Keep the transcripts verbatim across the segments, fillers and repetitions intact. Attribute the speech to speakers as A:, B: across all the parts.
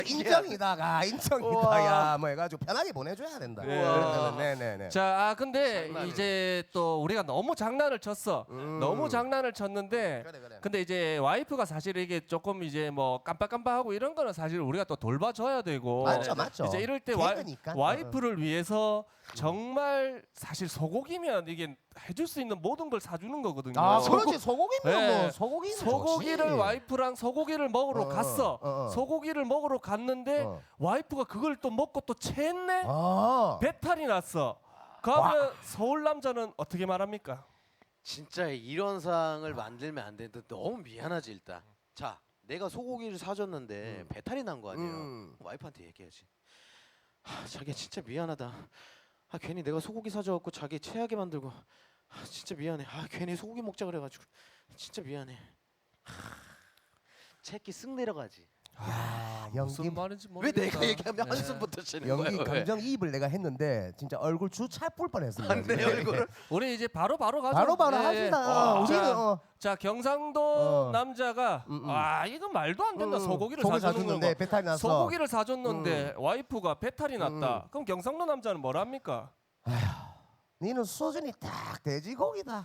A: 인정이다가 인정이다 야뭐 해가지고 편하게 보내줘야 된다.
B: 우와.
A: 네네네.
B: 자, 아, 근데
C: 장난이네.
B: 이제 또 우리가 너무 장난을 쳤어.
A: 음.
B: 너무 장난을 쳤는데
A: 그래 그래.
B: 근데 이제 와이프가 사실 이게 조금 이제 뭐 깜빡깜빡하고 이런 거는 사실 우리가 또 돌봐줘야 되고
A: 맞죠 맞죠.
B: 이제 이럴 때 와,
A: 개그니까.
B: 와이프를 위해서 정말 사실 소고기면 이게 해줄 수 있는 모든 걸 사주는 거거든요.
A: 아
B: 소고-
A: 그렇지 소고기면
B: 네.
A: 뭐 소고기는
B: 소고기를
A: 좋지.
B: 와이프랑 소고기를 먹으러
A: 어,
B: 갔어.
A: 어, 어.
B: 소고기를 먹으러 갔는데
A: 어.
B: 와이프가 그걸 또 먹고 또 체했네.
A: 아.
B: 배탈이 났어. 그러면 서울 남자는 어떻게 말합니까?
C: 진짜 이런 상을 만들면 안 되는데 너무 미안하지 일단. 자, 내가 소고기를 사줬는데 배탈이 난 거 아니에요.
A: 음.
C: 와이프한테 얘기해야지. 하, 자기야 진짜 미안하다. 아 괜히 내가 소고기 사줘갖고 자기 체하게 만들고. 아 진짜 미안해. 아 괜히 소고기 먹자 그래가지고 진짜 미안해. 하, 체기 쓱 내려가지.
A: 야 연기
B: 무슨 말인지
C: 왜
B: 모르겠다.
C: 내가 얘기하면
B: 네.
C: 한숨부터 쉬는
A: 연기
C: 거야?
A: 감정이입을 내가 했는데 진짜 얼굴 주차뿔 뻔했습니다.
C: 내
A: 지금.
C: 얼굴을
B: 우리 이제 바로 바로 가죠.
A: 바로 바로
B: 예, 예.
A: 합시다.
C: 와.
A: 어, 우리는
B: 자,
A: 어.
B: 자 경상도
A: 어.
B: 남자가
A: 음, 음.
B: 아 이거 말도 안 된다.
A: 음,
B: 소고기를
A: 소고기
B: 사주는
A: 사줬는데
B: 거.
A: 배탈이 났어.
B: 소고기를 사줬는데 와이프가 배탈이 났다.
A: 음.
B: 그럼 경상도 남자는 뭐랍니까?
A: 니는 수준이 딱 돼지고기다.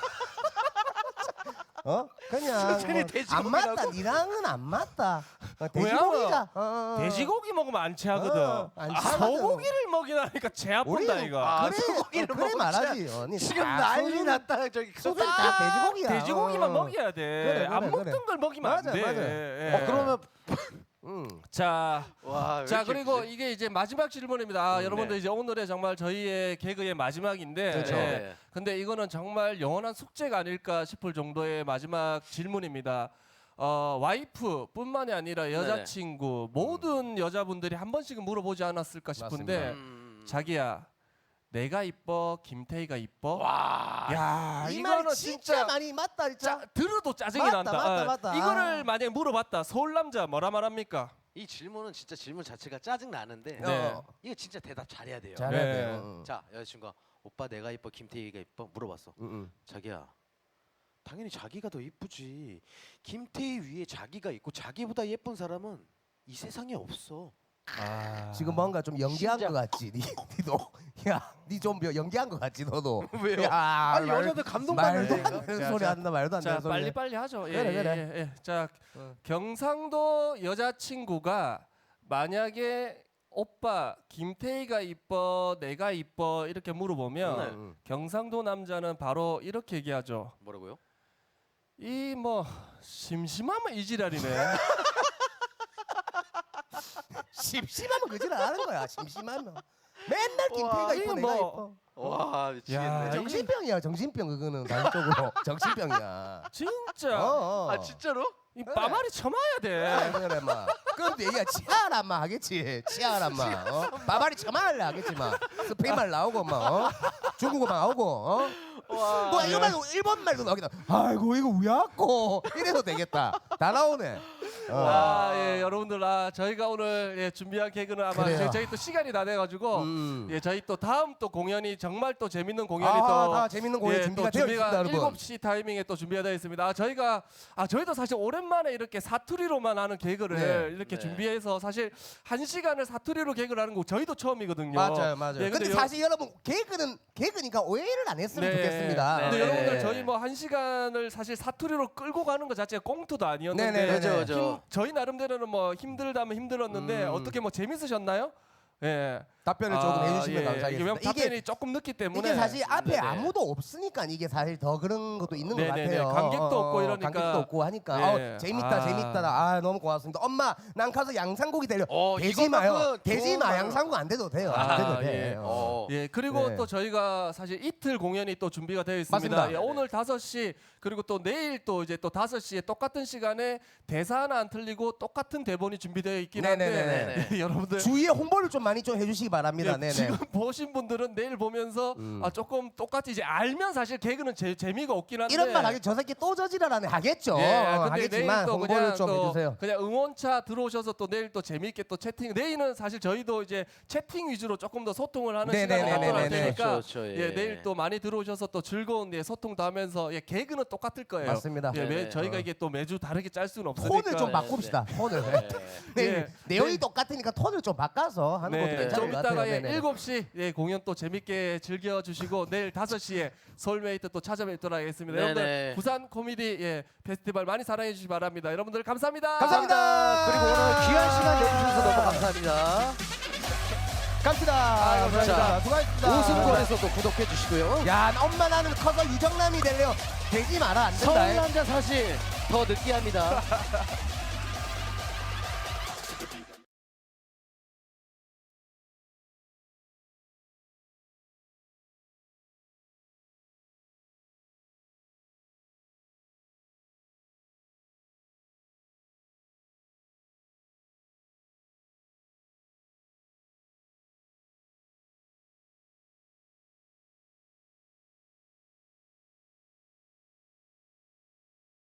A: 어? 그냥
C: 수준이
A: 뭐 안
C: 돼지고기라고?
A: 맞다. 니랑은 안 맞다. 어,
B: 왜냐면
A: 돼지고기자. 어, 어, 어.
B: 돼지고기 먹으면 안 체하거든.
A: 어, 안
B: 아,
A: 체하거든.
B: 소고기를 먹이라니까 체 아픈다
A: 우리는-
B: 이거.
C: 아,
A: 그래,
C: 소고기를
A: 어, 그래
C: 먹자.
A: 말하지. 어, 니
C: 지금
A: 다
C: 난리
A: 수준-
C: 났다 저기.
A: 수준이
B: 딱
A: 다 돼지고기야.
B: 돼지고기만
A: 어.
B: 먹여야 돼.
A: 그래, 그래,
B: 안 먹던
A: 그래.
B: 걸 먹이면
A: 맞아,
B: 안 돼.
A: 맞아.
B: 예.
C: 어 그러면
A: 음.
B: 자,
C: 와. 왜
B: 자
C: 이렇게
B: 그리고
C: 그지?
B: 이게 이제 마지막 질문입니다. 아,
C: 음,
B: 여러분들
C: 네.
B: 이제 오늘의 정말 저희의 개그의 마지막인데,
A: 그렇죠.
B: 예.
C: 네.
B: 근데 이거는 정말 영원한 숙제가 아닐까 싶을 정도의 마지막 질문입니다. 어, 와이프뿐만이 아니라 여자친구 모든 여자분들이 한 번씩은 물어보지 않았을까 싶은데,
C: 음.
B: 자기야, 내가 이뻐, 김태희가 이뻐?
C: 와.
B: 야,
A: 이 말
B: 이거는
A: 진짜,
B: 진짜
A: 많이 맞다 진짜.
B: 짜, 들어도 짜증이
A: 맞다,
B: 난다.
A: 맞다,
B: 어,
A: 맞다.
B: 이거를
A: 아.
B: 만약에 물어봤다. 서울 남자 뭐라 말합니까?
C: 이 질문은 진짜 질문 자체가 짜증 나는데
B: 네.
A: 어.
C: 이거 진짜 대답 잘해야 돼요.
A: 잘해야
B: 네.
A: 돼요. 응.
C: 자 여자친구가 오빠 내가 이뻐 김태희가 이뻐 물어봤어.
A: 응, 응.
C: 자기야 당연히 자기가 더 이쁘지. 김태희 위에 자기가 있고 자기보다 예쁜 사람은 이 세상에 없어.
B: 아.
A: 지금 뭔가 좀 연기한
C: 진짜.
A: 것 같지. 니, 니도 야, 니 좀 연기한 것 같지 너도.
C: 왜요?
A: 야,
C: 아니
A: 말-
C: 여자들 감동받는
A: 말도
C: 거예요.
A: 안 되는
B: 자,
A: 소리
B: 자,
A: 한다 말도 안
B: 자
A: 되는 소리.
B: 빨리 빨리 하죠. 예,
A: 그래,
B: 예,
A: 그래.
B: 예, 예. 자
A: 어.
B: 경상도 여자친구가 만약에 오빠 김태희가 이뻐 내가 이뻐 이렇게 물어보면
C: 네.
A: 응,
B: 경상도 남자는 바로 이렇게 얘기하죠.
C: 뭐라고요?
B: 이 뭐 심심하면 이 지랄이네.
A: 응. 심심하면 그질 안 하는 거야. 심심하면. 맨날 김태희가
C: 와,
A: 이뻐
B: 이거
A: 내가
B: 뭐-
A: 이뻐.
C: 와
B: 야,
C: 미치겠네.
B: 이-
A: 정신병이야 정신병 그거는 단적으로 정신병이야.
B: 진짜
A: 어, 어.
C: 아 진짜로?
B: 이
A: 그래.
B: 빠마리 쳐마야 돼.
A: 그래 그래 막. 그럼 얘가 치아란 말 하겠지. 치아란 말. 어? 바바리 처말래 하겠지 막. 스페인 말 나오고 막. 어? 중국어 말 나오고. 어?
C: 와.
A: 뭐 이거 말고 일본 말도 나오겠다. 아이고 이거 왜 왔고 이래도 되겠다. 다 나오네. 어.
B: 아, 예, 여러분들, 아, 저희가 오늘 예, 준비한 개그는 아마
A: 그래요.
B: 저희, 저희 또 시간이 다 돼가지고,
A: 음.
B: 예, 저희 또 다음 또 공연이 정말 또 재밌는 공연이
A: 아,
B: 또
A: 다 재밌는 공연
B: 예,
A: 준비가
B: 또
A: 되어 있습니다, 여러분.
B: 일곱 시 타이밍에 또 준비가 되어 있습니다. 아, 저희가 아 저희도 사실 오랜만에 이렇게 사투리로만 하는 개그를
A: 네.
B: 이렇게
C: 네.
B: 준비해서 사실 한 시간을 사투리로 개그를 하는 거 저희도 처음이거든요.
A: 맞아요, 맞아요.
B: 예,
A: 근데,
B: 여-
A: 사실 여러분 개그는 개그니까 오해를 안 했으면
B: 네.
A: 좋겠습니다.
B: 근데
C: 네.
B: 여러분들 저희 뭐 한 시간을 사실 사투리로 끌고 가는 것 자체가 꽁트도 아니었는데
A: 네네네.
C: 그죠 그죠.
B: 힘- 저희 나름대로는 뭐 힘들다면 힘들었는데
A: 음.
B: 어떻게 뭐 재밌으셨나요? 예.
A: 답변을 조금
B: 아,
A: 해주시면
B: 예.
A: 감사하겠습니다.
B: 이게 왜냐면 답변이 조금 늦기 때문에
A: 이게 사실 앞에
C: 네네.
A: 아무도 없으니까 이게 사실 더 그런 것도 있는 것
B: 네네네.
A: 같아요.
B: 관객도
A: 어,
B: 없고
A: 어,
B: 이러니까.
A: 관객도 없고 하니까
B: 네.
A: 어, 재밌다
B: 아.
A: 재밌다. 아 너무 고맙습니다. 엄마 난 가서 양상고기 데려.
C: 어,
A: 되지 마요.
C: 이거만큼은
A: 되지
C: 좋은
A: 마.
C: 말로.
A: 양상고 안 돼도 돼요.
B: 아,
A: 안 돼도
B: 예.
A: 돼. 어.
C: 어.
B: 예, 그리고
A: 네.
B: 또 저희가 사실 이틀 공연이 또 준비가 되어 있습니다.
A: 맞습니다.
B: 예, 오늘 다섯 시 그리고 또 내일 또 이제 또 다섯 시에 똑같은 시간에 대사 하나 안 틀리고 똑같은 대본이 준비되어 있긴 한데
A: 네네네네.
B: 예, 여러분들
A: 주위에 홍보를 좀 많이 많이 좀 해주시기 바랍니다.
B: 예,
A: 네네.
B: 지금 보신 분들은 내일 보면서
A: 음.
B: 아, 조금 똑같이 이제 알면 사실 개그는 제, 재미가 없긴 한데
A: 이런 말 하기 저 새끼 또 저지랄하네 하겠죠.
B: 예,
A: 어,
B: 근데
A: 하겠지만
B: 내일 또
A: 홍보를
B: 그냥
A: 좀
B: 또
A: 해주세요.
B: 그냥 응원차 들어오셔서 또 내일 또 재미있게 또 채팅. 내일은 사실 저희도 이제 채팅 위주로 조금 더 소통을 하는
A: 네네네네네.
B: 시간을 갖도록 할 테니까
C: 그렇죠, 그렇죠,
B: 예.
C: 예.
B: 내일 또 많이 들어오셔서 또 즐거운 예, 소통도 하면서 예, 개그는 똑같을 거예요.
A: 맞습니다.
B: 예, 매,
C: 네네.
B: 저희가
A: 어.
B: 이게 또 매주 다르게 짤 수는 없으니까.
A: 톤을 좀
C: 네,
A: 바꿉시다. 톤을.
C: 네.
A: 내일
B: 예.
A: 내용이
B: 네.
A: 똑같으니까 톤을 좀 바꿔서 하는 것도
B: 네,
A: 괜찮을
B: 좀
A: 것
B: 이따가
A: 같아요.
B: 예,
A: 네네.
B: 일곱 시 예, 공연 또 재밌게 즐겨주시고 내일 다섯 시에 서울메이트 또 찾아뵙도록 하겠습니다.
C: 네네.
B: 여러분들 부산 코미디 예, 페스티벌 많이 사랑해 주시기 바랍니다. 여러분들 감사합니다.
A: 감사합니다.
C: 그리고 오늘 귀한 시간 내주셔서 너무 감사합니다.
A: 갑시다.
B: 아이고,
A: 감사합니다.
C: 자,
A: 수고하셨습니다.
C: 오승권에서도 구독해 주시고요.
A: 야, 엄마 나는 커서 유정남이 될래요. 되지 마라 안 된다.
C: 서울 남자 사실 더 느끼합니다.